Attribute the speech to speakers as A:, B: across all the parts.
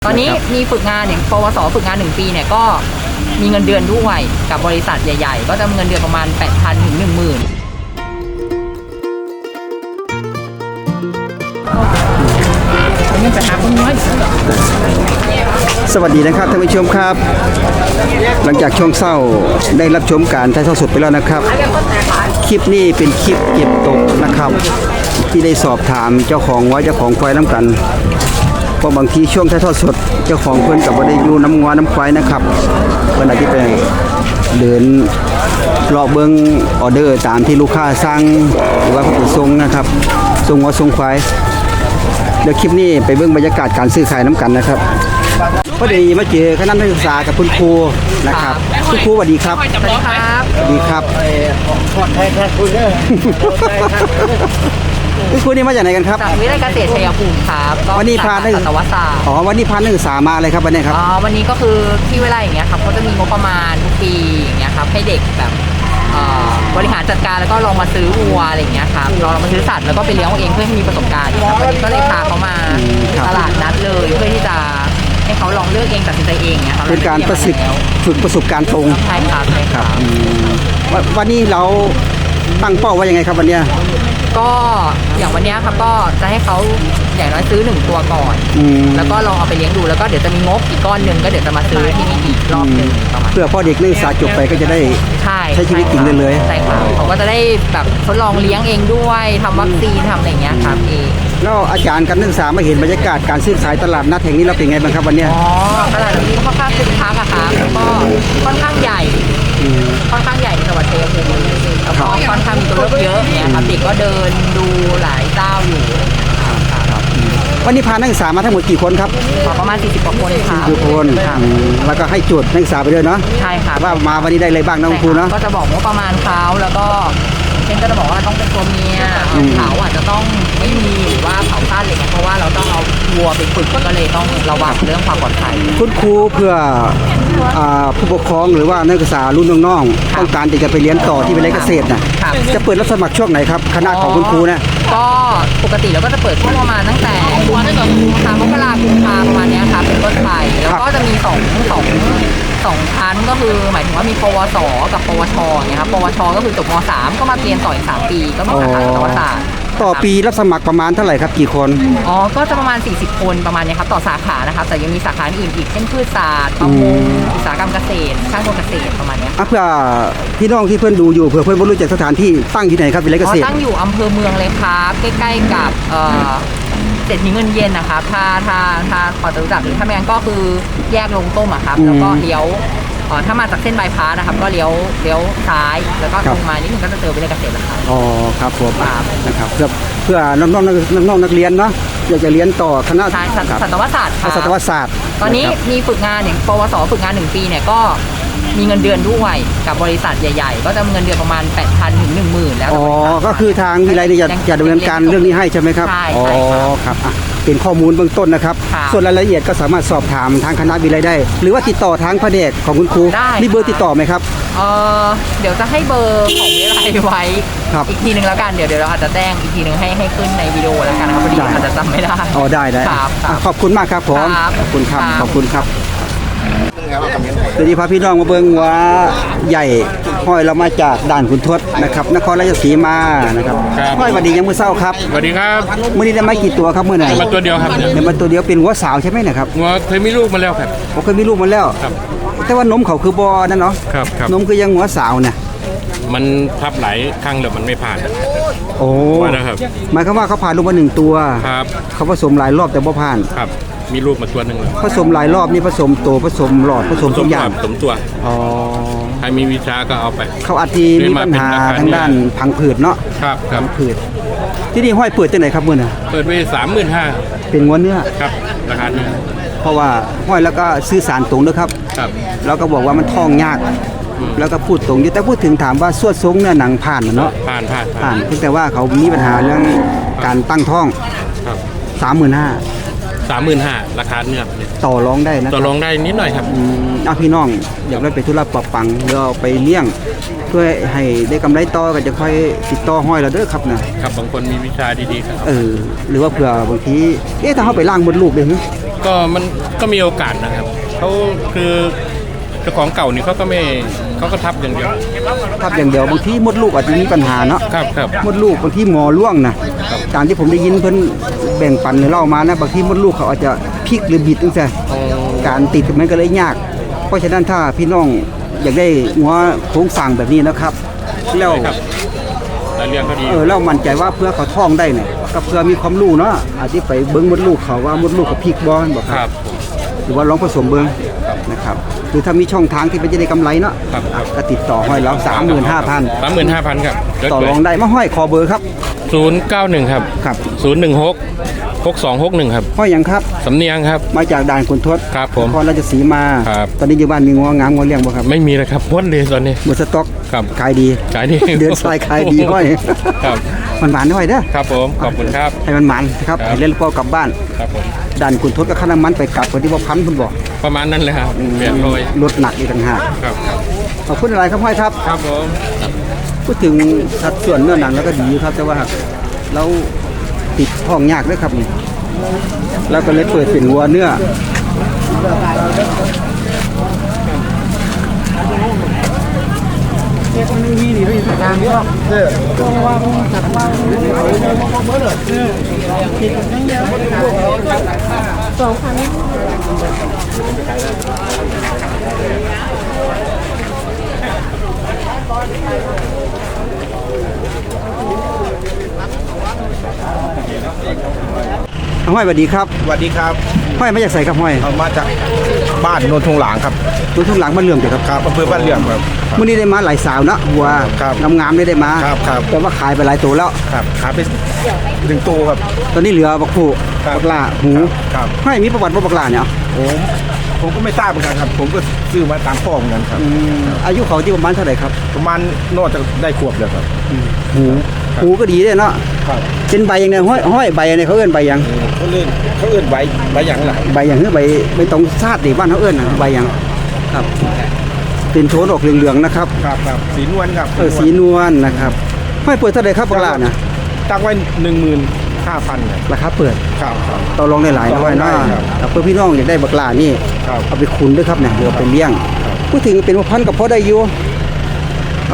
A: ตอนนี้มีฝึกงานอย่างปวสฝึกงาน1 ปีเนี่ยก็มีเงินเดือนด้วยกับบริษัทใหญ่ๆก็จะมีเงินเดือนประมาณ 8,000 ถึง 10,000
B: สวัสดีนะครับท่านผู้ชมครับ หลังจากช่วงเศร้าได้รับชมการถ่ายทอดสดไปแล้วนะครับ คลิปนี้เป็นคลิปเก็บตกนะครับ ที่ได้สอบถามเจ้าของเจ้าของควายน้ำกันเพราะบางทีช่วงถ่ายทอดสดเจ้าของเพื่อนกับว่าได้อยู่น้ำงัวน้ำควายนะครับเพื่อนอาจจะไปเดินรอเบิ้งออเดอร์ตามที่ลูกค้าสั่งหรือว่าเขาไปส่งนะครับส่งงัวส่งควายเดี๋ยวคลิปนี้ไปเบิ้งบรรยากาศการซื้อขายน้ำกันนะครับพอดีมาเจอคณะนักศึกษากับคุณครูนะครับคุณครูสวัสดีครับ
A: สวัสดีครับ
B: สวัสดีครับคุณครูนี่มาจากไหนกันครับ
A: จากวิทยาลัยเกษตรชัยภูมิครับ
B: วันนี้พานักศึกษาวันนี้พานักศึกษามาอะไรครับวันนี้ครับ
A: วันนี้ก็คือที่วิทยาลัยอย่างเงี้ยครับเขาจะมีงบประมาณทุกปีอย่างเงี้ยครับให้เด็กแบบบริหารจัดการแล้วก็ลองมาซื้อวัวอะไรอย่างเงี้ยครับลองมาซื้อสัตว์แล้วก็ไปเลี้ยงเองเพื่อให้มีประสบการณ์ครับวันนี้ก็เลยพาเขามาตลาดนัดเลยเพื่อที่จะให้เขาลองเลือกเองตัดสินใจเองเนี่ยครับ
B: เป็นการฝึกประสบการณ์ตรง
A: ใช่ครับใช่ครับ
B: วันนี้เราตั้งเป้าว่ายังไงครับวันนี้
A: ก็อย่างวันนี้ครับก็จะให้เขาอย่างน้อยซื้อ1 ตัวก่อนแล้วก็ลองเอาไปเลี้ยงดูแล้วก็เดี๋ยวจะมีงบอีกก้อนหนึ่งก็เดี๋ยวจะมาซื้อที่นี่อีกรอบหนึ่งประมาณ
B: เพื่อพ่อเด็กนักศึกษาจบไปก็จะได้ใช้ชีวิตจริงได้เลย
A: ใช่ครับเขาก็จะได้แบบทดลองเลี้ยงเองด้วยทำวัคซีนทำอะไรอย่างเงี้ยครับเอง
B: แล้วอาจารย์กับนักศึกษามาเห็นบรรยากาศการซื้อขายตลาดนัดแห่งนี้เราเป็นไงบ้างครับวันนี้
A: ตลาดนี้ค่อนข้างคึกคักอะครับแล้วก็ค่อนข้างใหญ่ในจังหวัดชัยภูมิแล้วก็ค่อนข้างมีตัวเลือกเยอะเนี่ยครับเด็กก็เดินดูหลายเจ้าอยู่
B: วันนี้พานักศึกษามาทั้งหมดกี่คนครับ
A: ประมาณ40 กว่าคนครับ
B: 40 คนแล้วก็ให้โจทย์นักศึกษาไปด้วยเนาะ
A: ใช่ค่ะ
B: ว่ามาวันนี้ได้อะไรบ้างน้องครูเนาะ
A: ก็จะบอกว่าประมาณเขาแล้วก็เช่นก็จะบอกว่าต้องเป็นตัวเมียเขาอาจจะต้องไม่มีหรือว่าเขาสั้นอะไรเงี้ยเพราะว่าเราต้องเอาวัวไปฝึกก็เลยต้องระวังเรื่องความปลอดภัย
B: คุณครูเพื่อผู้ปกครองหรือว่านักศึกษารุ่นน้องๆต้องการจะไปเรียนต่อที่วิทยาลัยเกษตรนะจะเปิดรับสมัครช่วงไหนครับคณะของคุณครูนะ
A: ก็ปกติเราก็จะเปิดช่วงประมาณตั้งแต่มกราคมประมาณนี้ครับเป็นต้นไปแล้วก็จะมีสองชั้นก็คือหมายถึงว่ามีปวสกับปวชเนี่ยครับปวชก็คือจบม.3 ก็มาเรียนต่ออีก3 ปีก็มีสาขาสัตวศาสตร์
B: ต่อปีรับสมัครประมาณเท่าไหร่ครับกี่คน
A: ก็จะประมาณ40 คนประมาณนี้ครับต่อสาขานะครับแต่ยังมีสาขาอื่นอีกเช่นพืชศาสตร์ประมงอุตสาหกรรมเกษตรช่างกลเกษตรประมาณนี้
B: เพื่อพี่น้องที่เพื่อนดูอยู่เพื่อเพื่อนรู้จักสถานที่ตั้งที่ไหนครับวิทยาลัยเกษตร
A: ตั้งอยู่อำเภอเมืองเลยครับใกล้ๆกับเศรษฐีเงินเย็นนะครับถ้าพอจะรู้จักหรือถ้าไม่งั้นก็คือแยกลงต้มอะครับแล้วก็เลี้ยวถ้ามาจากเส้นบายพาสนะครับก็เลี้ยวซ้ายแล้วก็ตรงมานิดนึงก็จะเจอวิทยาลัยเกษตรแล้วครับ
B: ครับผมนะครับเพื่อน้องนักเรียนเนาะอยากจะเรียนต่อคณะ
A: สัตวศาสตร์
B: สัตวศาสตร์
A: ตอนนี้มีฝึกงานอย่างปวสฝึกงาน1 ปีเนี่ยก็มีเงินเดือนด้วยกับบริษัทใหญ่ๆก็จะมีเงินเดือนประมาณ 8,000 ถึง 10,000แล้ว
B: ก็คือทางวิทยาลัยจะดำเนินการเรื่องนี้ให้ใช่ไหมครับ
A: ใช่
B: ครับเป็นข้อมูลเบื้องต้นนะครับส่วนรายละเอียดก็สามารถสอบถามทางคณะวิทยาลัยได้หรือว่าติดต่อทางแผนกของคุณครูมีเบอร์ติดต่อไหมครับ
A: เดี๋ยวจะให้เบอร์ของวิทยาลัยไว้อีกทีนึงแล้วกันเดี๋ยวเราอาจจะแจ้งอีกทีนึงให้ขึ้นในวิดีโอแล้วกันนะครับพอดีอาจจะจำไม่ได้
B: ได้ขอบคุณมากครับผมขอบคุณครับสวัสดีพาพี่น้องมาเบิ่งว่าใหญ่ห้อยเรามาจากด่านขุนทดนะครับนครราชสีมานะครับห้อยสวัสดียังมื้อเช้าครับ
C: สวัสดีครับ
B: มื้อนี้ได้มากี่ตัวครับมื้อไหน
C: มาตัวเดียวครับ
B: ได้มาตัวเดียวเป็นหัวสาวใช่ไหมนะครับ
C: หัวเคยมีลูกมาแล้วครับ
B: เคยมีลูกมาแล้ว
C: ครับ
B: แต่ว่านมเขาคือบ่นั่นเนาะ
C: ครับ
B: นมคือยังหัวสาวเนี่ย
C: มันทับหลายครั้งแล้วมันไม่ผ่าน
B: นะครับหมายความว่าเขาผ่านลูกมา1 ตัว
C: ครับ
B: เขาผสมหลายรอบแต่บ่ผ่าน
C: ครับมีลูกมาตัวหนึ่ง
B: ผสมหลายรอบนี่ผสมโตผสมหลอดผสมทุกอย่าง
C: ผสมตัวใครมีวิชาก็เอาไป
B: เขาอาจจะมีปัญหาทางด้านพังผืดเนาะ
C: ครับ
B: พังผืดที่นี่ห้อยเปิดที่ไหนครับมื้อน่ะ
C: เปิดไป35,000
B: เป็นงัวเนื้อ
C: ครับราคาเนื้อ
B: เพราะว่าห้อยแล้วก็ซื้อสารตรงด้วยครับแล้วก็บอกว่ามันท้องยากแล้วก็พูดตรงอยู่แต่พูดถึงถามว่าสวดทรงเนี่ยหนังผ่านเนาะ
C: ผ่าน
B: เพียงแต่ว่าเขามีปัญหาเรื่องการตั้งท้อง
C: 35,000ราคาเนื้อ
B: ต่อรองได้นะ
C: ต่อรองได้นิดหน่อยครับ
B: พี่น้องอยากได้ไปธุระปะปังหรือเอาไปเลี้ยงเพื่อให้ได้กำไรต่อก็จะค่อยติดต่อห้อยเราเด้อครับนะครับ
C: บางคนมีวิชาดีๆครับ
B: หรือว่าเผื่อบางทีถ้าเขาไปล่างมดลูกเลย
C: ก็มันก็มีโอกาสนะครับเขาคือเจ้าของเก่านี่เขาก็ทับอย่างเดียว
B: ทับอย่างเดียวบางทีมดลูกอาจจะมีปัญหาเนาะ
C: ครับ
B: มดลูกบางทีหมอล่วงนะตามที่ผมได้ยินเพิ่นแบ่งปันเล่ามานะบางทีมดลูกเขาอาจจะพลิกหรือบิดจังซี่การติดมันก็เลยยาก เพราะฉะนั้นถ้าพี่น้องอยากได้หัวโครงสร้างแบบนี้นะครับแล้ว
C: ครับแต่เลี้ยงเขาดี
B: เรามั่นใจว่าเพื่อเขาท้องได้เนี่ยก็เพื่อมีความรู้เนาะอาจจะไปเบิ้งมดลูกเขาว่ามดลูกเขาพลิกบ่บ่ค
C: ครั
B: รับบ หรือว่าลองผสมเบิ้งนะครับหรือถ้ามีช่องทางที่มันจะได้กำไรเนาะ
C: ครับ
B: ก็ติดต่อห้อยแล้ว 35,000
C: 35,000ครับ
B: ต่อรองได้มาห้อยคอเบอร์ครับ
C: 091ครับ
B: ครับ
C: 016 6261ครับ
B: ห้อยหยังครับ
C: สำเนียงครับ
B: มาจากด่านขุนทด
C: ครับผม
B: นครราชสีมา
C: ครับ
B: ตอนนี้อยู่บ้านมีงัวงามงัวเลี้ยงบ่ครับ
C: ไม่มีเลยครับพ้นเลยตอนนี้
B: หมดสต็อก
C: ครับ
B: ขายดี
C: ขายดี
B: เดินสายขายดีห้อย
C: ครับ
B: มันหวานห้อยเด้อ
C: ครับผมขอบคุณครับ
B: ให้มันหวานนะครับ
C: ครับ
B: ให้เล่นพอกลับบ้าน
C: ครับผม
B: ด่านขุนทดก็ค่าน้ำมันไปกลับคนที่ว่าพันคุณบอก
C: ประมาณนั้นเลยครับ800
B: ลดหนักอีกต่างหาก
C: ครับ
B: ขอบคุณอะไรครับห้อยครับ
C: ครับผม
B: พูดถึงสัดส่วนเนื้อหนังแล้วก็ดีครับแต่ว่าเราติดท้องยากด้วยครับนี่แล้วก็เลยเปิดเป็นวัวเนื้อห้อยสวัสดีครับ
D: สวัสดีครับ
B: ห้อยมาจากใส่ครับห้อย
D: เอามาจากบ้านโนนทงหลางครับ
B: ตัวทุ่งหลังมันเหลื่อมเดี๋ยวครับ
D: ครับอำเภอบ้านเหลื่อมครับ
B: มื่อนี้ได้มาหลายสาวนะวัว
D: ครับ
B: งามๆได้มา
D: ครับ
B: แต่ว่าขายไปหลายตัวแล้ว
D: ครับขายไป1ตัวครับ
B: ตอนนี้เหลือบักผู้
D: ครับ
B: บักลาหู
D: ครับ
B: ห้อยมีประวัติว่าบักลาเนี่ย
D: ผมก็ไม่ทราบเหมือนกันครับ ผมก็ซื้อมาตามพ่อเหมือนกันครับ
B: อายุเขาที่ประมาณเท่าไหร่ครับ
D: ประมาณนอกจากได้ขวบเลยครับ
B: หูก็ดีเลยเนาะ
D: ครับ
B: เป็นใบอย่างเนี้ยห้อยใบอย่างเนี้ยเขาเอื้อนใบหยัง
D: เขาเอื้อนใบหยังหลาย
B: ใบอย่างคือใบตรงซาดดิบ้านเขาเอื้อนน่ะใบหยังครับ เป็นโทนออกเหลืองๆนะครับ
D: ครับสีนวลครับ
B: สีนวลนะครับห้อยเปิดเท่าไหร่ครับบักลาน่ะ
D: ตั้งไว้15,000ครับ
B: ราคาเปิด
D: ครับ
B: ต่อรองได้หลายนะห้อยเนาะ
D: ครับ
B: แต่เพื่อพี่น้องอยากได้บักลานี่
D: ครับ
B: เอาไปขุนด้วยครับเนี่ยเดี๋ยวเอาไปเลี้ยงพูดถึงเป็นพันกับพอได้อยู่ครับ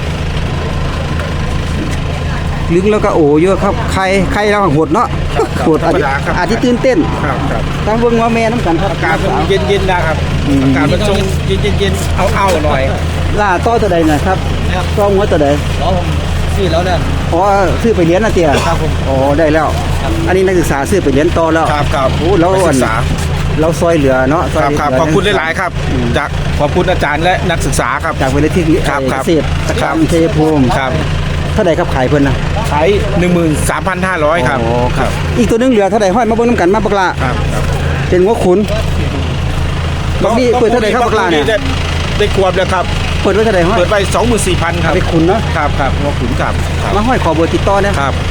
B: ลึงแล้วก็โอ้เยอะครับใครเราหดเนาะหดอาจจะตื่นเต้น
D: ครับ
B: ตั้งเบิ่งว่าแม่น้ำกันครับ
D: อากาศมันเย็นๆนะครับอากาศมันทรงเย็นๆเอาหน่อย
B: ล่าต่อตัวใดนะครับต่อหัวตัวใด
A: สี่แล้วเนี่ย
B: อ๋อซื้อไปเลี้ยงนะเตี้ย
D: ครับผม
B: อ๋อได้แล้ว อันนี้นักศึกษาซื้อไปเลี้ยงต่อแล้ว
D: ครับ
B: โอ้แล้ว
D: นักศึกษา
B: เราซอยเหลือเนาะซอย
D: ครับ
B: เหลื
D: ขอบคุณหลายๆครับจากขอบคุณอาจารย์และนักศึกษาครับ
B: จากเวลาที่
D: ครับ
B: เกษตรกรรมชัยภูมิ
D: ครับ
B: เท่าใดครับขายเพิ่นนะ
D: ขาย 13,500 ครับ
B: อ๋อครับ อีกตัวหนึงเหลือเท่าใดห้อยมาเบิ่งน้ำกันมาบักละ
D: ครับ
B: เป็นหัวขุนบักนี่เปิดเท่าใดครับบักละเนี่ย
D: ได้ขวบแล้วครับ
B: เปิดไว้เท่าใดห้อย
D: เปิดไป 24,000 ครับ
B: ไปขุนเนาะ
D: ครับหัวขุนครับครับ
B: มาห้อยขอเบอร์ติดต่อเนี่ย
D: ครับ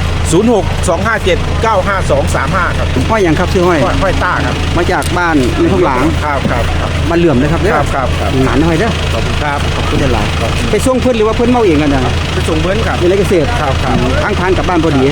D: 06-257-95235 ครับ
B: ห้อยหยังครับชื่อห้อย
D: ห้อยต้าครับ
B: มาจากบ้านในทุ่งหลาง
D: ครับ
B: มาเหลื่อมเลยครับเด้อ
D: ครับ
B: หนานห้อยเด้อ
D: ขอบคุณครับ
B: ขอบคุณหลายๆไปส่งเพิ่นหรือว่าเพิ่นเมาเองกันน่ะ
D: ไปส่งเบิ้นครับ
B: ในเกษตร
D: ครับ
B: ทางผ่านกลับบ้านพอดี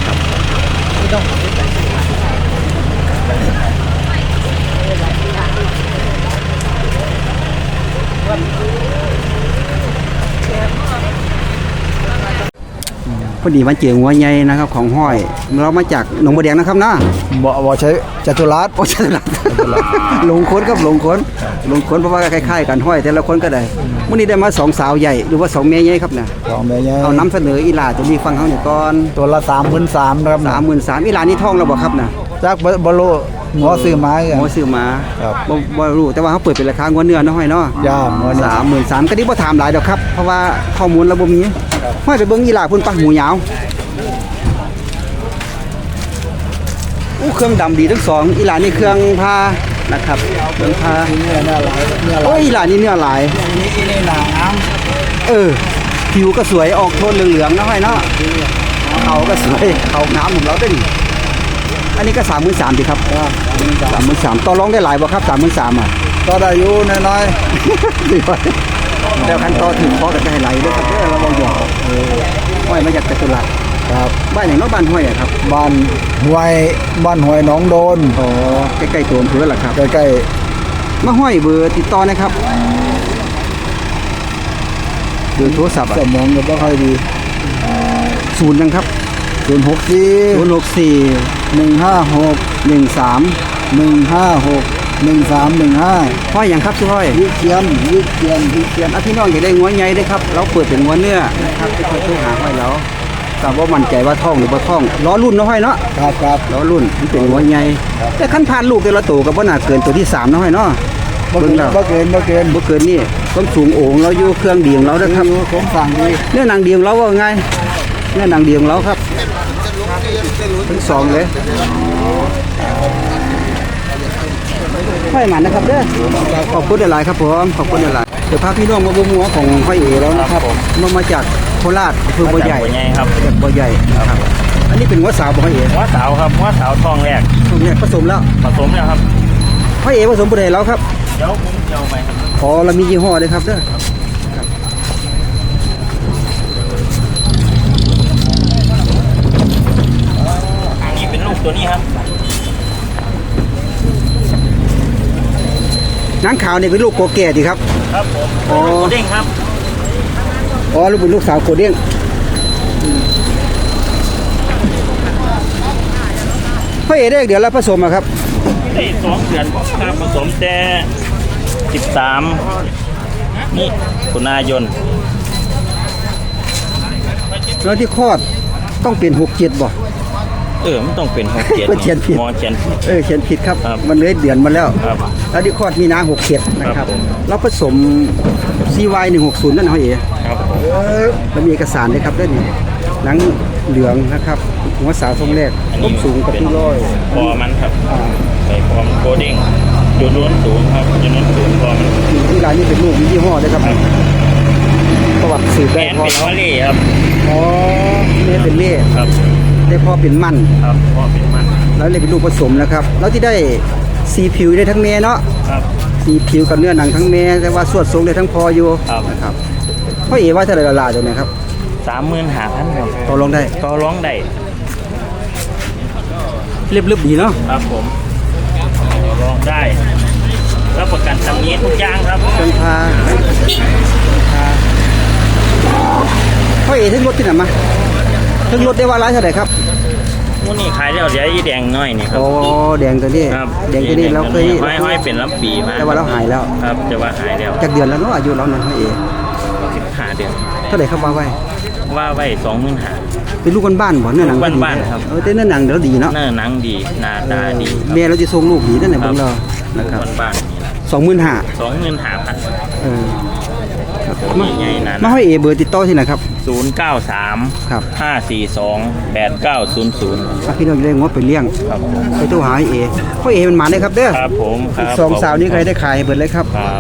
B: พอดีมาเจอหัวใหญ่นะครับของห้อยเรามาจากหนองบัวแดงนะครับนะ
D: บ่ใช้จัตุรัส
B: โอ้ใช่ละหลงค้นครับหลงค้นเพราะว่าคล้ายๆกันห้อยแต่ละคนก็ได้มื้อนี้ได้มา2สาวใหญ่หรือว่า2แม่ใหญ่ครับเนี่ย
D: ของแม่ใหญ่
B: เอานำเสนออีหลาตัวนี้ฟังเฮาเนี่ยก่อน
D: ตัวละ33,000ครับ
B: 33,000อีหลานี่ท้องแล้วบ่ครับน่ะ
D: จากบ่รู้หัวซื้อไม้
B: หมอซื้อมา
D: ครับ
B: บ่รู้แต่ว่าเขาเปิดเป็นราคางัวเนื้อเนาะห้อยเนาะ
D: ย่างัวเนื้อ
B: 33,000ก็ดีบ่ถามหลายดอกครับเพราะว่าข้อมูลเราบ่มีห้อยไปเบิ่งอีหลาพุ่นปะหมูยาวเครื่องดำดีทั้งสองอีหลานี่เครื่องพานะครับเครื่องพา
D: เนื้อหลายเนื้อห
B: โอ้
D: ลาย
B: ยอีหลานี่เนื้อหลาย
D: นี่หนาน้
B: ผิวก็สวยออกโทนเหลืองๆนะห้อยเนาะเขาก็สวยเขาน้ำของเราด้วยนี่อันนี้ก็33,000ดิครับ33,000ต่อรองได้หลายบ่ครับ33,000อ่ะ
D: ำก็ได้อยู่น้อย
B: เดี๋ยวคันต่อถึงพอกับจะให้ไหลด้วยครับเด้อเราบ่หยอกห้อยมาจากจตุรัส
E: ครับ
B: บ้านอย่างเน้องบ้านห้วยอะครับ
E: บ้านห้วยหนองโดน
B: อ๋อใกล้ๆตัวอำเภอแหละครับ
E: ใกล้
B: มาห้อยเบอร์ติดต่อนะครับเบอร์โทรศัพท์
E: ๆสมองก็บ่ค่อยดี
B: ศูนย์นะครับ
E: 064
B: 064
E: 156
B: 13
E: 156 1315
B: ห้อยอย่างครับชื่อห้อย
E: วิเชียน
B: เขียนพี่น้องอยากได้งัวใหญ่ได้ครับเราเปิดเป็นงัวเนื้อนะครับที่คอยช่วยหาห้อยเราทราบว่ามั่นใจว่าท่องหรือบ่ท่องล้อรุ่นเนาะห้อยเนาะ
E: ครับ
B: ล้อรุ่นมันเป็นงัวใหญ่แต่ขั้นผ่านลูกแต่ละตัวก็บ่น่าเกินตัวที่3เนาะห้อยเนาะ
E: บ่
B: เบิ่
E: เกิ
B: ง
E: น
B: แล้ว
E: บ่เกิน
B: บ่เกินนี่ความสูงโอ่งเราอยู่เครื่องดีของเรานะครับ
E: ผมสั่งดี
B: เนื้อหนังดีของเราว่าไงเนื้อหนังดีของเราครับทั้งสองเลยห้อยหมันนะครับเด้อขอบคุณหลายๆครับผมขอบคุณหลายๆเดี๋ยวพาพี่น้องมาบุ้มหัวของห้อยเอ๋แล้วนะครับมาจากโคราชอำเภอบัวใหญ่
F: ครับ
B: จากบัวใหญ่นะครับอันนี้เป็นหัวสาวของห้อยเอ๋
F: หัวสาวครับหัวสาวทองแรก
B: ตรงนี้ผสมแล้ว
F: ผสมแล้วครับ
B: ห้อยเอ๋ผสมบุได้แล้วครับ
F: เดี๋ยวผมจะเอาไปครับ
B: ขอเรามียี่ห้อด้วยครับเด้อ
F: อันนี้เป็นลูกตัวนี้ครับ
B: หนังขาวเนี่ยเป็นลูกโกแก่ดีครับ
F: ครับผม
B: อ๋อ
F: ลูกเด้งครับ
B: อ๋อลูกเป็นลูกสาวโกเด้งห้อยเอ๋ได้เดี๋ยวแล้วผสมอะครับ
F: ได้2 เดือนครับผสมแต่13นี่ตุลาคม
B: แล้วที่คลอดต้องเป็น6-7บ่
F: มันต้องเป็น6 7
B: มันเขียนผิด
F: หมอเขียนผิด
B: เขียนผิดครับ
F: ครับ
B: มันเลยเดือนมาแล้ว
F: ครับ
B: แล้วที่คลอดมีนา67นะค
F: ครั
B: รับบ
F: ผม
B: แล้วผสม CY 160นั่นห้อยเอ๋
F: ครับผม
B: แล้วมีเอกสารด้วยครับด้วยนี่หนังเหลืองนะครับหัวสาวทรงแรกต้นสูงกับที่ร้อย
F: พอมันครับ
B: อ่า
F: ใส่พอมันโกเด้งจุดล้วนสูงครับจุดล้วนสูงพอมัน
B: ที่ร้านนี้เป็นลูกมียี่ห้อด้วยครับประวัติสืบ
F: แม
B: ได้
F: น
B: พอ
F: เป็นวอลเล่ครับ
B: อ๋อแม่เป็นเล่
F: ครับ
B: ได้พ่อเป็นมั่น
F: ครับพอเป็นมัน
B: แล้วเลยเป็นลูกผสมนะครับ แล้วที่ได้สีผิวได้ทั้งแม่เนาะ
F: ครับ
B: สีผิวกับเนื้อหนังทั้งแม่แต่ว่าสวดทรงได้ทั้งพออยู่
F: ครับ
B: นะครับพ่อเอ๋ว่าเท่าไหร่ละลาตัวนี้ครับ
F: 35,000ครับ
B: ต่อรองได้
F: ก็ร้องได้
B: เรียบๆดีเนาะ
F: ครับผมลองได้รับประกันตำหนี้ทุกอย่างครับ
B: เชิญพาพ่อเอ๋ถึงรถที่ไหนมาถึงรถได้ว่าร้ายเท่าไหร่ครับ
F: มูนี่ขายแล้วเดี๋ยวอีแดงน้อยนี่ครับ
B: โอ้แดงตัวนี้
F: ครับ
B: แดงตัวนี้เราเคย
F: ห้อยเป็นลำปีมา
B: แต่ว่าเราหายแล้ว
F: ครับแต่ว่าหายแล้ว
B: จากเดือนแล้วเนาะอายุเราเนี่ยพ่อเอ๋
F: 15 เดือน
B: เท่าไหร่ครับว่าไว้
F: ว่าไว้25,000
B: เป็นลูกบ้านๆบ่เนื้อหนังก็ดี
F: บ้านๆครับ
B: แต่เนื้อหนังเดี๋ยวดีเนาะ
F: เนื้อหนังดีหน้าตาดี
B: แม่เราจะส่งลูกดีนั่นแหละเบิ่งเรานะครับ
F: บ้านๆนี่ละ
B: 25,000
F: 25,000
B: เออ
F: ตัวใหญ่ๆนั่น
B: มาให้เอเบอร์ติดต่อที่ไหนครับ
F: 093
B: ครับ
F: 542 8900
B: ถ้าพี่น้องจะได้งดไปเลี้ยง
F: ครับ
B: ไปโทรหาเอพ่อเอมันมาเลยครับเด้อ
F: ครับผมค
B: อี
F: รั
B: ก
F: บ
B: สองสาวนี้ใครได้ขายให้เบิดเลยครับ
F: ครับ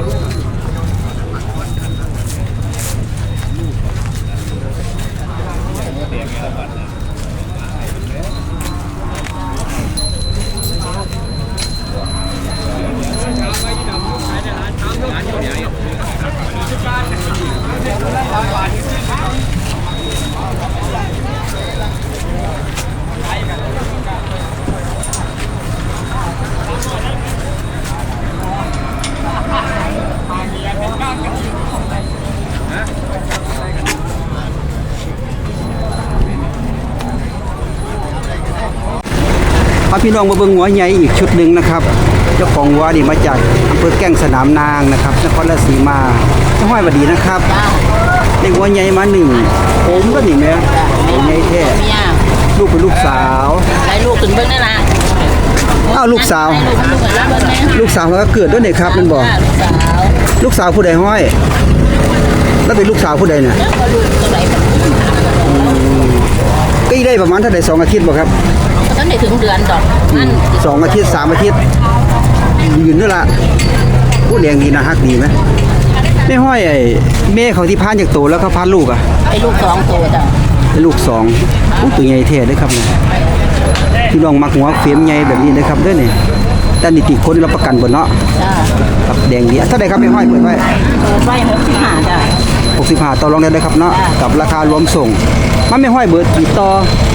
B: พาพี่น้องมาเบิ่งหัวใหญ่อีกชุดหนึ่งนะครับ เจ้าของวัวนี่มาจากอำเภอแก้งสนามนางนะครับนครราชสีมาจังหวัดบดีนะครับได้หัวใหญ่มาหนึ่งผมก็นี่แม่หัวใหญ่แท้
A: เมีย
B: ลูกเป็นลูกสาว
A: ได้ลูกถึงเบิ่งได้ละ
B: อ้าวลูกสาว
A: ลูกเหมือนแล้วเบิ่งแม่
B: ลูกสาวเขาก็เกิดด้วยนี่ครับมันบอก
A: ลูกสาว
B: ลูกสาวผู้ใดห้อย แล้วเป็นลูกสาวผู้ใดเนี่ย
A: แล้วก็ลูกตัวไหน
B: ก็ได้ประมาณเท่าไหร่2 อาทิตย์บ่ครับ
A: ก็ต้องได้ถึงเดือนดอกนั่น
B: 2 อาทิตย์3 อาทิตย์ยืนนี่ละผู้เลี้ยงดีนะฮักดีไหมไม่ห้อยไอ้แม่เขาที่พานจากโตแล้วเขาพานลูกอ่ะ
A: ไอ้ลูก2ตัวจ้ะ
B: เป็นลูก2อู้ตัวใหญ่แท้เด้อครับเนี่ยพี่น้องมักหัวเฟรมใหญ่แบบนี้เลยครับเด้อนี่แต่นิติคนรับประกันบ่เนาะ
A: จ้า
B: ครับแดงดีเท่าไหร่ครับไม่ห้อยเปิดไว้
A: เปิดไว้65จ้ะ
B: 65ต่อรองได้เลยครับเนาะกับราคารวมส่งมันไม่ห้อยเบอร์ติดต่อ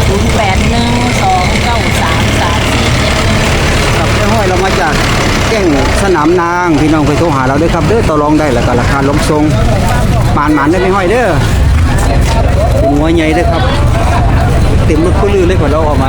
A: 0812933477
B: ครับไม่ห้อยเรามาจากแก้งสนามนางพี่น้องไปโทรหาเราด้วยครับเด้อต่อรองได้แล้วก็ราคาล้มทรงหมานได้ไม่ห้อยเด้อเป็นหัวใหญ่เด้อครับเต็มรถก็ลือเลยกว่าเราออกมา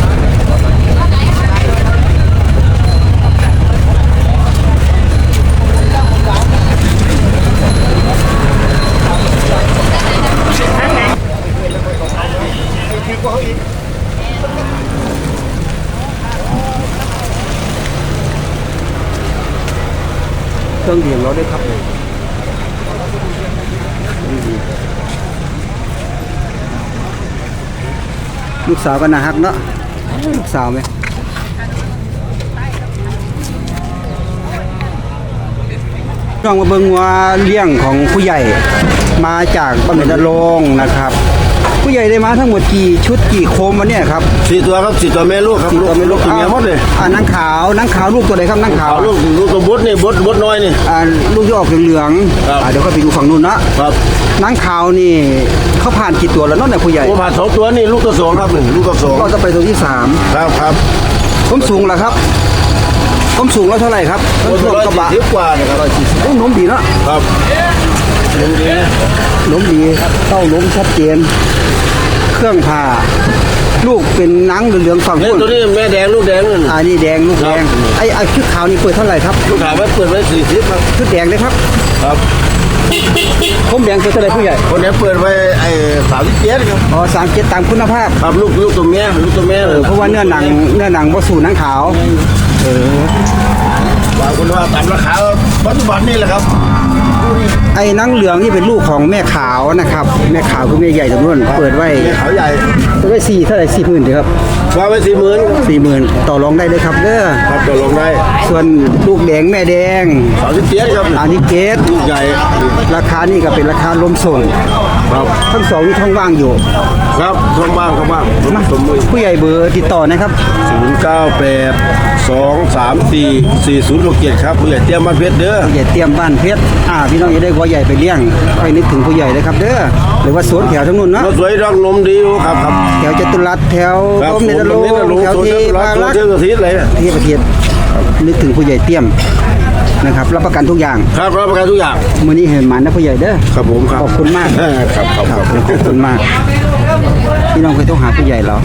B: เครื่องดื่มเราได้ครับเลยลูกสาวก็น่าฮักเนาะลูกสาวไหมลองมาเบิ่งว่าเลี้ยงของผู้ใหญ่มาจากบ้านเดนรงค์นะครับ ผู้ใหญ่ได้มาทั้งหมดกี่ชุดกี่โคมวันเนี่ยครับ
G: 4 ตัวครับ4 ตัวแม่ลูกครับ
B: สี่ตัวไม่รู้
G: ตัวเมียหมดเลย
B: นางขาวลูกตัวไหนครับนางขาว
G: เอาลูกตัวบดนี่บดน้อยนี่
B: ลูกที่ออกเหลือง
G: ครับ
B: เดี๋ยวก็ไปดูฝั่งนู้นนะครับ นางขาวนี่เขาผ่านกี่ตัวแล้วเนาะเนี่ยผู้ใหญ่
G: โอ้ผ่าน2 ตัวนี่ลูกตัว2ครับหนึ่งลูกตัว
B: ก็จะไปตัวที่
G: 2ครับครับ
B: 3ผมสูงแล้วครับผมสูงแล้วเท่าไหร่ครับ
G: โอ้
B: รถกระบะ
G: 140กว่านะครับ
B: โอ้หนมดีเนาะ
G: ครับลุงดี
B: หนมดีเต้าหนมชัดเจนเครื่องผ่าลูกเป็นหนังเหลืองๆฝั่ง
G: เนี่ย
B: นู้น
G: ตัวนี้แม่แดงลูกแดงนี่
B: นี่แดงลูกแดง
G: ครับ
B: ไอ้ชุดขาวนี่เปิดเท่าไหร่ครับ
G: ลูกขาวไว้เปิดไว้40ครับ
B: ชุดแดงเลยครับ
G: ครับ
B: ผมแดงเปิดเท่าไหร่ผู้ใหญ่
G: คนนี้เปิดไว้ไอ้37ครับ
B: อ๋อ37ตามคุณภาพ
G: ครับลูกตัวเมียเลย
B: เพราะว่าเนื้อหนังบ่สู่หนังขาว
G: บางคนว่าตามราคาปัจจุบันนี่แหละครับ
B: ไอ้หนังเหลืองนี่เป็นลูกของแม่ขาวนะครับแม่ขาวคือแม่ใหญ่ตรงนู้นเปิดไว้
G: แม่ขาวใหญ่
B: เปิดไว้4เท่าไหร่40,000ดีครับ
G: วางไว้40,000ครับ
B: 40,000ต่อรองได้เลยครับเด้อ
G: ครับตัวลงได้
B: ส่วนลูกแดงแม่แดง
G: 37ครับ
B: อันนี้เกต
G: ลูกใหญ่
B: ราคานี่ก็เป็นราคาลมส่ง
G: ครับ
B: ทั้งสองนี่ท้องว่างอยู่
G: ครับท้องบ้างครับบ้างสมมุติ
B: ผู้ใหญ่เบอร์ติดต่อนะครับ
G: 098 234 4067ครับผู้ใหญ่เตรียมบ้านเพชรเด้อ
B: ผู้ใหญ่เตรียมบ้านเพชรพี่น้องจะได้วัวใหญ่ไปเลี้ยงไปนึกถึงผู้ใหญ่เลยครับเด้อหรือว่าสวนแถวทั้งนู้นเนาะ
G: รถสวยรักนมดีอยู่ครับครับ
B: แถวจตุรัสแถว
G: ครับ
B: ต้มเนตรโล
G: ผม
B: แถว
G: สวน
B: ที่
G: รั
B: บาก ง
G: สวน
B: รัก
G: เที่ยวอาทิตย์เลย
B: ที่ประเทศนึกถึงผู้ใหญ่เตรียมนะครับรับประกันทุกอย่าง
G: ครับรับประกันทุกอย่าง
B: มื้อนี้เห็นหมันนะผู้ใหญ่เด้อ
G: ครับผมครับ
B: ขอบคุณมาก
G: ครับครับ
B: ขอบคุณมากพี่น้องเคยต้องหาผู้ใหญ่เรา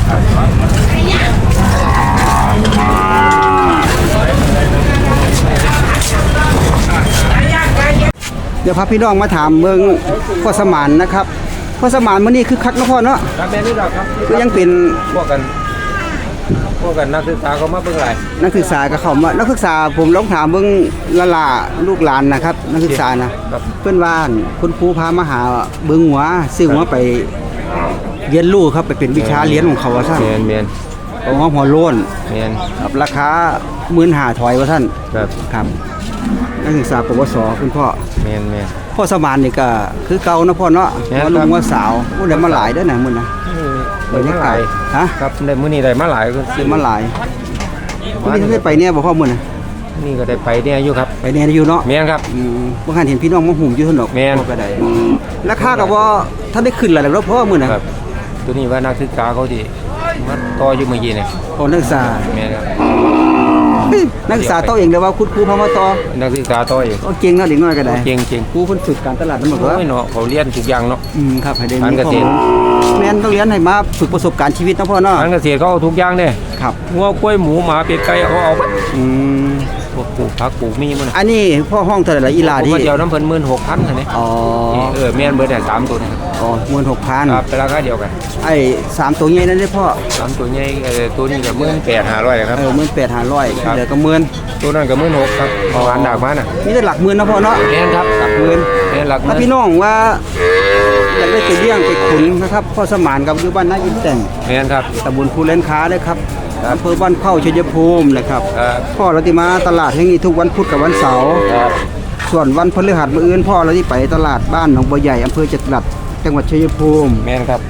B: เดี๋ยวพาพี่น้องมาถามเมืองพ่อสมานนะครับพ่อสมานมื้อนี้คือคักเนาะพ่อเนาะ
D: ครับแม่นี่ดอกครับ
B: ก็ยังเป็น
D: พวกกันนักศึกษาเขามาเบิ่งหลาย
B: นักศึกษากับเขามานักศึกษาผมลองถามเบิ่งละล่าลูกหลานนะครับ นักศึกษานะครับ เพื่อนบ้านคุณครูพามาหาเบิ่งหัวซื้อหัวไปเรียนรู้ครับไปเป็นวิชาเรียนของเขาว่าซั่น
D: แมน
B: เอาหัวโล้น
D: แมน
B: ครับราคา15,000ถอยว่าซั่น
D: ครับ
B: ครับนักศึกษาปวสคุณพ่อ
D: แมน
B: พ่อสมานนี่ก็คือเก่านะพ่อเนาะ
D: แม่น
B: ว่าลุ
D: ครั
B: ง
D: บ
B: ว่าสาวผู้ใดมาหลายเด้อนะมื้อนะบรรยากาศฮะ
D: ครับได้มื้อนี้ได้มาหลายก็
B: ซื้อมาหลายมื้อนี้เคยไปเนี่ยบ่พ่อมื้อนะ
D: นี่ก็ได้ไปเนี่ยอยู่ครับ
B: ไปเนี่ยอยู่เนาะ
D: แมนครับ
B: บ่คันเห็นพี่น้องมาหุ่มอยู่ซั่นดอก
D: แม่น
B: บ่ก็ได้ราคาก็บ่ถ้าได้ขึ้นแล้วแหล้วพ่อมื้อน่ะ
D: ครับตัวนี้ว่านักศึกษาเขาที่มาต่ออยู่เมื่อกี้เนี่ย
B: พอนักศึกษา
D: แมนครับ
B: เฮ้ยนักศึกษาต่อเองเด้อว่าคุณครูพามาต่อ
D: นักศึกษาต่ออีก
B: ก็เก่งเนาะเด็กน้อยก็ได้
D: เก่งเก่ง
B: ครูเพิ่นฝึกการตลาดนำบ่
D: โอ้
B: ว่าย
D: เนาะเขาเรียนทุกอย่างเนาะ
B: ครับให้ได้
D: การ
B: มี
D: เก
B: ข้อ
D: ษตร
B: มูลแม่นต้องเรียนให้มาฝึกประสบการณ์ชีวิตเนาะพ่อเนาะ
D: การเกษตรเขาเอาทุกอย่างเด้
B: ครับ
D: งัวกล้วยหมูหมาเป็ดไก่เอา
B: อืม
D: พวกปลูกผักปลูกมีมัน
B: อันนี้พ่อห้องเท่าไหร่ละอีหลา
D: ผม
B: ที่
D: มาเดียวน้ำเพิ่น16,000อันนี้
B: อ๋อ
D: แม่นเบิดได้3ตัวนะครับ
B: อ๋อ16,000
D: ครับเป็นราคาเดียวกัน
B: ไอ้3ตัวใหญ่นั่นเด้อพ่อ
D: 3ตัวใหญ่ตัวนี้ก็18,500ครับ
B: 18,500
D: ครับ
B: เหลือก็หมื่น
D: ตัวนั้นก็16,000ครับหวานดากมาน่ะ
B: มีแต่หลักหมื่นนะพ่อเนาะ
D: แม่นครับหลักหมื่นแม่นหลักห
B: ถ้า
D: มื่
B: พี่
D: น
B: น้องว่าอยากได้ไปเลี้ยงไปขุนนะครับพ่อสมานกับอยู่บ้านนาอินแต่ง
D: แม่นครับ
B: ตำบลภูเลนค้าเลยครับ
D: ครับ
B: อำเภอบ้านเข้าชัยภูมินะครับ
D: ครับ
B: พ่อเราที่มาตลาดแห่งนี้ทุกวันพุธกับวันเสาร์
D: ครับ
B: ส่วนวันพฤหัสมื้ออื่นพ่อเราที่ไปตลาดบ้านหนองบัวใหญ่อำเภอจตุรัสจังหวัดชัยภูมิ
D: แม่นครับ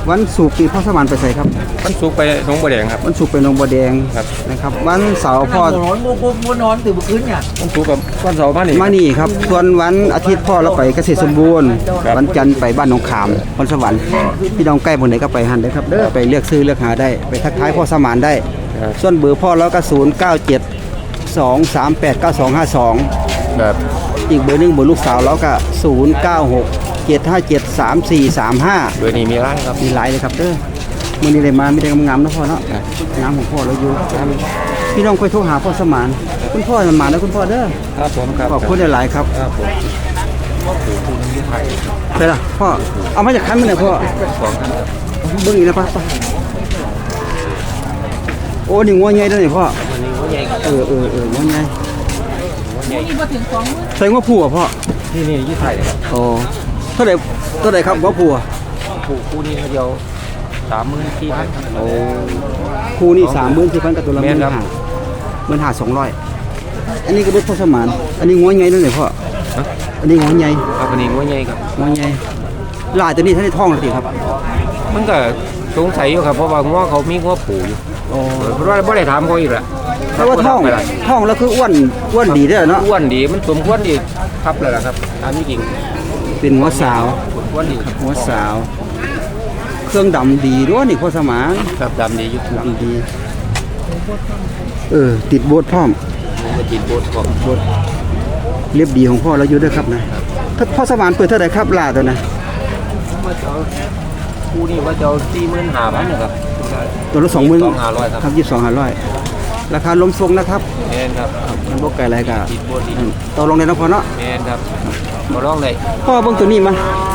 B: วันศุกร์นี่พ่อสมานไปใส่ครับ
C: มันสุกไปหนองบัวแดงครับ
B: วันศุกร์ไปหนองบัวแดง
C: ครับ
B: นะครับวันเสาร์พ่อ
C: มันสุกกับวันเสาร์มานี่
B: มานี่ครับส่วนวันอาทิตย์พ่อเราไปเกษตรสมบูรณ์
C: ครับ
B: วันจันทร์ไปบ้านหนองขามพรสวรรค์พี่น้องใกล้หมดไหนก็ไปหันได้ครับเด้อไปเลือกซื้อเลือกหาได้ไปทักทายพ่อสมานได้ ส่วนเบอร์พ่อเราก็0972389252
C: ครับ
B: อีกเบอร์หนึงเบอร์ลูกสาวเราก็0967573435
C: เบอร์นี้มีร้านครับ
B: มีหลายเลยครับเด้อมื้อนี้ได้มามีแต่งามๆนะพ่อเนาะงามของพ่อเราอยู่ครับพี่น้องค่อยโทรหาพ่อสมานคุณพ่อสมานนะคุณพ่อเด้อ
C: ครับผมครับ
B: ขอบคุณหลายๆครับ
C: ครับผม
B: ใช่ล่ะพ่อเอามาจากคันมันเนี่ยพ่อเบิ่งอีกนะพ่อโอ้นี่งัวใหญ่เด้อนี่พ่องัวใหญ่ใส่งัวผัวพ่อ
C: นี่ยี่ไทยครับ
B: โอ้เท่าไหร่ครับงัวผัว
C: คู่นี้เดียว34,000
B: โอ้คู่นี่34,000กับตัวละ
C: แม่นครับ
B: 15,000 อันนี้ก็เป็นพ่อสมานอันนี้งัวใหญ่เด้อนี่พ่ออันนี้งัวใหญ่
C: ครับอันนี้งัวใหญ่ครับ
B: งัวใหญ่ลายตัวนี้ท่านได้ท้องแล้วติครับ
C: มันก็สงสัยอยู่ครับเพราะว่างัวเขามีงัวผูอยู่
B: โอ้
C: เพราะว่าบ่ได้ถามเขาอีกละ
B: แต่ว่าท้องแล้วคืออ้วนดีเด้อเนาะ
C: อ้วนดีมันสมควรดีครับเลยล่ะครับตามที่จริง
B: เป็นหัวสาว
C: สมควรดี
B: หัวสาว เครื่องดำดีด้วยนี่พ่อสมาน
C: ครับดำดีอยู่ครับ
B: ดีติดโบสถ์พร้อม
C: มันติดโบสถ์ของ
B: โบสถ์เรียบดีของพ่อเราอยู่ด้วยครับนะถ้าพ่อสมานเปิดเท่าไหร่ครับลาตัวนะ
C: ว่าจะเอาคู่นี้ว่าจะเอา45,000นะครับ
B: ตัวละ20,000
C: 22,500ครับ
B: ครับ22,500ราคาล้มทรงนะครับ
C: แม่นครับ
B: มันบ่ไกลอะไรก็
C: ติดโบสถ์ดี
B: ต่อรองได้นะพ่อเนาะ
C: แม่นครับบ่ร้องเลย
B: พ่อเบิ่งตัวนี้มา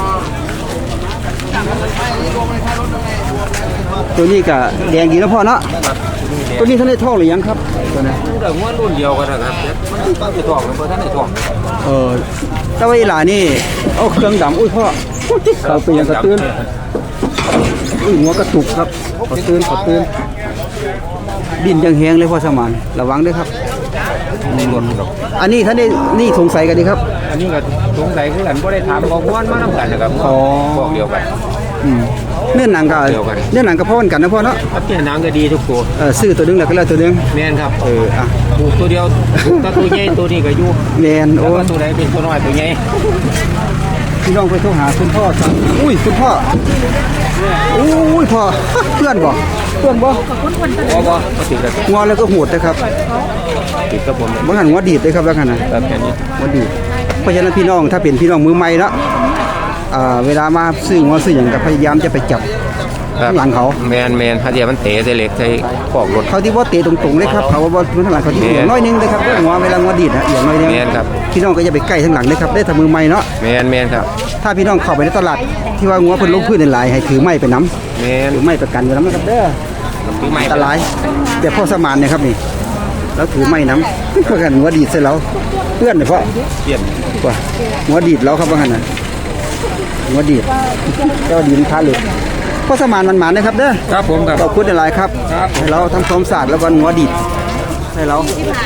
B: ตัวนี้ก็แดงดีนะพ่อเนาะ
C: ครับ
B: ตัวนี้ท่านได้ท้องหรือยังครับตัวนั้น
C: ดูแต่งัวรุ่นเดียวกันนะครับมันจะท้องกันบ่ทันได้ท้อง
B: แต่ว่าอีหลานี่เอาเครื่องดำอุ้ยพ่อเขาเป็นยังกระตื้นอุ้ยหัวกระตุกครับกระตื้นดินยังแห้งเลยพ่อสมานระวังด้วยครับ
C: ในรถดอก
B: อันนี้ท่านได้นี่สงสัยกันดีครับ
C: อันนี้ก็สงสัยคือกันบ่ได้ถามของม่วนมานำกันนะครับ
B: อ๋อ
C: บอกเดียวกัน
B: เนื้อหนังก็
C: เดียวกัน
B: เนื้อหนังก็พ่อกันนะพ่อเนาะ
C: ครับที่หนังก็ดีทุกตัว
B: ซื้อตัวหนึงแล้วก็แล้วตัวหนึง
C: แม่นครับ
B: อ่ะ
C: ถูกตัวเดียวถ้าตัวใหญ่ตัวนี้ก็อยู่
B: แมน
C: แล้
B: โอ้
C: วก็ตัวใดเป็นตัวน้อยตัวใหญ่
B: พี่น้องไปโทรหาคุณพ่อสั่งอุ้ยคุณพ่ออุ้ยพ่อเพื่อนบ่
C: บ่บ่ติดแล้ว
B: งอแล้วก็โหดนะครับ
C: ติดกับผม
B: บางหันหัวดีดเลยครับบางหันนะ
C: แบบแค่นี้
B: หัวดีดเพราะฉะนั้นพี่น้องถ้าเป็นพี่น้องมือใหม่เนาะเวลามาซื้อหัวซื้ออย่างก็พยายามจะไปจับข้างหลังเขา
C: แมนถ้าเดี๋ยวมันเตะใส่เหล็กใส่ปอกรถ
B: เขาที่ว่าเตะตรงๆเลยครับเขาว่าข้างหลังเขาที่เอียงน้อยนึงเลยครับหัวเวลาหัวดีดนะเอียงน้อยนึง
C: แม่นครับ
B: พี่น้องก็จะไปใกล้ข้างหลังเลยครับได้ถ้ามือใหม่เนาะ
C: แมนครับ
B: ถ้าพี่น้องเข้าไปในตลาดที่ว่างัวเพิ่นลงพื้นหลายๆให้ถือไม้ไปน้ำ
C: แมน
B: ถือไม้ประกันไว้น้ำนะครับเด้อ
C: ปีใหม่
B: อันตรายแต่พ่อสมานเนี่ยครับนี่แล้วถือไม้น้ำเพื่อกันหัวดีดใส่เราเพื่อนเนี่ยพ่อ
C: เปลี่ยน
B: ว่าหัวดีดเราครับว่างั้นน่ะหัวดีดเจ้าดีดค้าเหล็กพ่อสมานมันหมานนะครับเด้อ
C: ครับผมครับ
B: ขอบคุณหลายๆครับให้เราทำความสะอาดแล้ววันหัวดีดให้เรา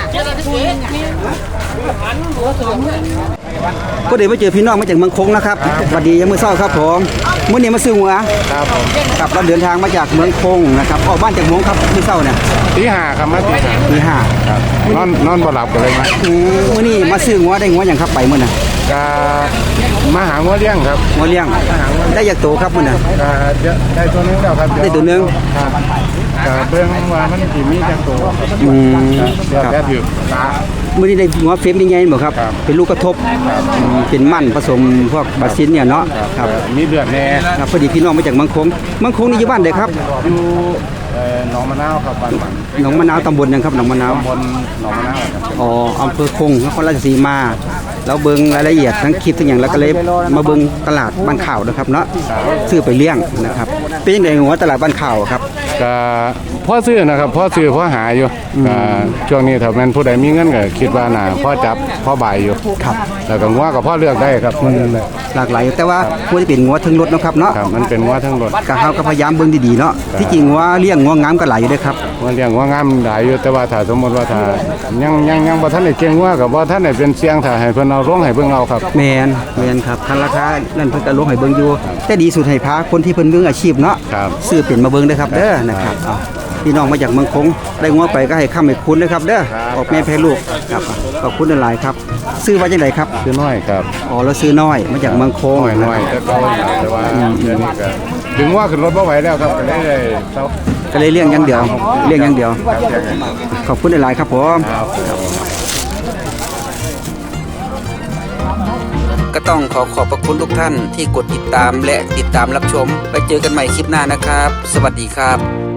B: ก็เดี๋ยวมาเจอพี่น้องมาจากเมืองคงนะครับสวัสดียังมือเศร้าครับผมมื้อนี้มาซื้อหัว
C: ครับผม
B: กับเราเดินทางมาจากเมืองคงนะครับออกบ้านจากเมืองครับมื้อเศร้าเนี่ย
C: ตี5ครับมาตี
B: ตีห้า
C: 5ครับนอนบ่หลับกันเลยมั้ย
B: มื้อนี้มาซื้อหัวได้หัวอย่างครับไปมื้อน่ะ
C: ก็มาหางัวเลี้ยงครับ
B: หัวเลี้ยงได้จากโตครับมื้อน่ะ
C: ก็ได้ตัวนึงแล้วครับ
B: ได้ตัวหนึง
C: ครับก็เบิ่งว่ามันสิมีจักตัว เดี๋ยว
B: ครับ
C: แค่ถือตา
B: มื้อนี้ได้หัวเฟมยังไงบ่ครับ
C: ครับ
B: เป็นลูกกระทบเป็นมั่นผสมพวกบาซินเนี่ยเนาะครับ
C: มีเลือดแน่
B: ครับพอดีพี่น้องมาจากเมืองคงนี่อยู่บ้านใดครับ
C: อยู่หนองมะนาวครับบ้านหมัน
B: หนองมะนาวตำบลหยังครับหนองมะนาว
C: บนหนองมะนาวครับ
B: อ๋ออำเภอคงนครราชสีมาแล้วเบิ่งรายละเอียดทั้งคลิปทั้งอย่างแล้วก็เลยมาเบิ่งตลาดบ้านข่าวนะครับเนาะซื้อไปเลี้ยงนะครับเป็นยังไงหัวตลาดบ้านข่าวครับ
C: ก็
H: พ่อซื้อนะครับพ่อซื้อพ่อหาอยู่ช่วงนี้ถ้าแม่นผู้ใดมีเงินก็คิดว่าน่าพ่อจับพ่อบ่ายอยู่ครับแล้วก็งัวกับพ่อเลือกได้ครับพ่อเลือกได้
B: หลากหลายแต่ว่าควรจะเป็นงัวทั้งรถเนาะครับเนาะ
H: ครับมันเป็นงัวทั้งรถ
B: ก็เฮาก็พยายามเบิ่งดีๆเนาะที่จริงงัวเลี้ยงงัวงามก็หลายอยู่เด้อครับ
H: งัวเลี้ยงงัวงามหลายอยู่แต่ว่าถ้าสมมติว่าถ้ายังบ่ทันได้เก่งงัวก็บ่ทันได้เป็นเสียงถ้าให้เพิ่นเอาลงให้เบิ่งเอาครับ
B: แม่นครับคันราคานั่นเพิ่นก็ลงให้เบิ่งอยู่แต่ดีสุดให้พาคนที่เพิ่นมืออาชีพเนาะ
H: ครับ
B: ซื้อเป็นมาเบิ่งเด้อครับเด้อนะครับเอาพี่น้องมาจากเมืองคงได้งัวไปก็ให้ค้ำให้คุณนะครับเด้อออกแม่แพ้ลูกครับขอบคุณหลายๆครับซื้อว่าจังไดครับ
H: คือน้อยครับ
B: อ๋อเราซื้อน้อยมาจากเมืองคง
H: น้อยแต่ก็แต่ว่าเดี๋ยวนี้ก็ดึงงัวขึ้นรถบ่ไหวแล้วครับก็เลยได้เซา
B: ก็เลยเลี้ยงอย่างเดียวขอบคุณหลายๆครับผม ก็ต้องขอบพระคุณทุกท่านที่กดติดตามและติดตามรับชมไปเจอกันใหม่คลิปหน้านะครับ สวัสดีครับ